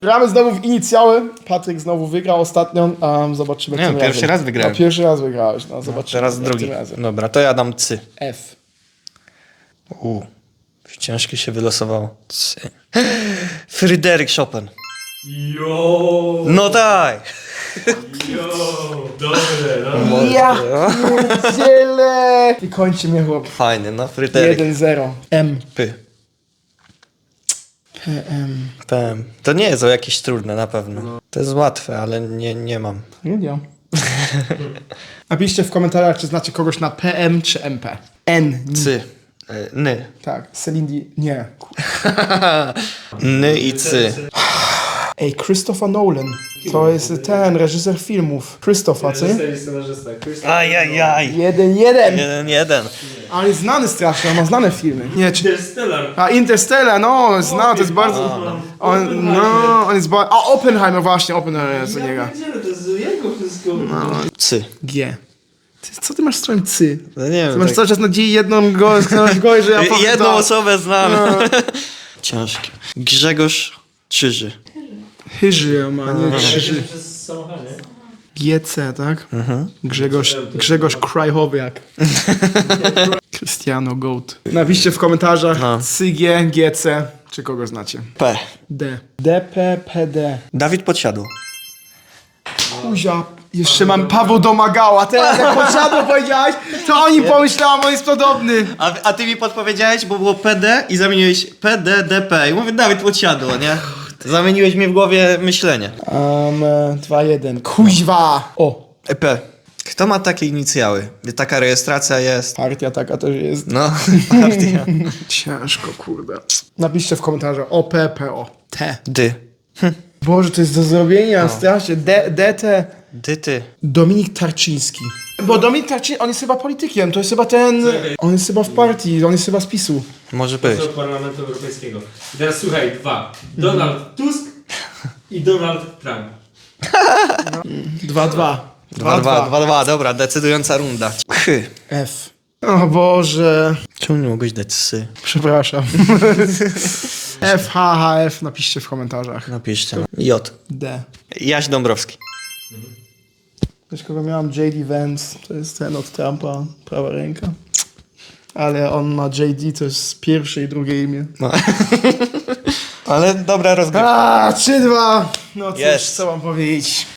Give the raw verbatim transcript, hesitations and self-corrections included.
Gramy znowu w inicjały. Patryk znowu wygrał ostatnio, a zobaczymy Nie, tym pierwszy razem. raz wygrałem. No, pierwszy raz wygrałeś, no zobaczymy. Teraz jak drugi. tym razem. Dobra, to ja dam cy. F. U, ciężkie się wylosowało. Cy. Fryderyk Chopin. Jo, No tak. jo, dobre, dobre. Ja pierdzielę! I kończy mnie chłop. Fajny, no Fryderyk. jeden zero. M. Py. P M. P M. To nie jest o jakieś trudne, na pewno. To jest łatwe, ale nie, nie mam. Nie wiem. Napiszcie w komentarzach, czy znacie kogoś na P M czy M P. N. Cy. E, Ny. Tak. Celine Di... Nie. Ny i cy. Ej, Christopher Nolan. To jest ten reżyser filmów. Christopher, co nie? Ajajaj. Jeden, jeden. Jeden, jeden. Ale jest znany strasznie, on ma znane filmy. Nie, czy... Interstellar. A Interstellar, no, zna, to jest bardzo... On, no, on jest bardzo... A Oppenheimer właśnie, Oppenheimer jest u niego. To jest jego wszystko. Cy. G. Ty, co ty masz w swoim cy? No nie Ty wiem. masz tak... cały czas nadzieję jedną go, go że ja powiem Jedną to. osobę znam. Ciężkie. Grzegorz Czyży. Hyży ma, nie Krzyży. Przez samochód, nie? G C, tak? Grzegorz, Grzegorz Krajchowiak. Cristiano Goat. Napiszcie w komentarzach No. C G, G C, czy kogo znacie. P. D. D P P D. Dawid Podsiadło. Kuzia, jeszcze mam Paweł Domagała. Teraz jak posiadło powiedziałeś, to oni pomyślałam, on jest podobny. A, a ty mi podpowiedziałeś, bo było P D i zamieniłeś P D D P. I mówię, Dawid Podsiadło, nie? Zamieniłeś mi w głowie myślenie. Um, dwa jeden. Kuźwa! O, E P. Kto ma takie inicjały? Taka rejestracja jest. partia taka też jest. No, partia. Ciężko, kurde. Napiszcie w komentarzach O P P O. T. Dy. Boże, to jest do zrobienia, strasznie. D, D, T. Dy, ty. Dominik Tarczyński. Bo Dominik Tarczyński, on jest chyba politykiem, to jest chyba ten... On jest chyba w partii, on jest chyba z PiSu. Może być. Do Parlamentu Europejskiego. I teraz słuchaj, dwa. Donald Tusk i Donald Trump. Dwa, dwa. Dwa, dwa, dwa, dwa. Dobra, decydująca runda. Chy. F. O Boże. Czemu nie mogłeś dać sy? Przepraszam. F, H, H, F, napiszcie w komentarzach. Napiszcie. No. J. D. Jaś Dąbrowski. Wiesz, kogo miałam? J D Vance, to jest ten od Trumpa, prawa ręka. Ale on ma J D, to jest pierwsze i drugie imię. No. Ale dobra rozgrywka. A, trzy dwa. No cóż, Jest. co mam powiedzieć.